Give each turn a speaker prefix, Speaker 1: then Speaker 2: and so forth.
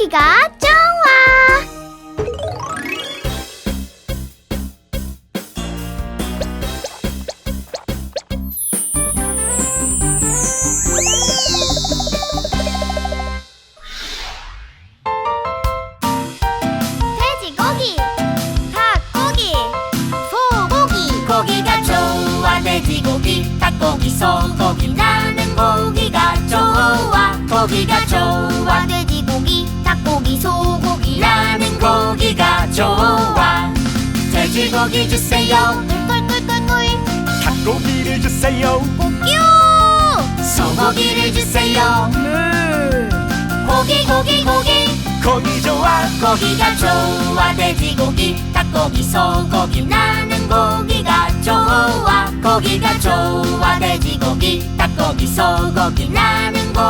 Speaker 1: 고기가 좋아. 돼지고기, 닭고기, 소고기.
Speaker 2: 고기가 좋아. 돼지고기, 닭고기, 소고기. 나는 고기가 좋아. 고기가 좋아.
Speaker 1: 돼지고기, 닭고기, 소고기.
Speaker 2: 나는 고기가 좋아. 돼지고기 주세요.
Speaker 1: 꿀꿀꿀꿀꿀.
Speaker 3: 닭고기를 주세요.
Speaker 1: 뀨!
Speaker 2: 소고기를 주세요. 고기 고기 고기.
Speaker 3: 고기 좋아.
Speaker 2: 고기가 좋아. 돼지고기, 닭고기, 소고기. 나는 고기가 좋아. 고기가 좋아. 돼지고기, 닭고기, 소고기. 나는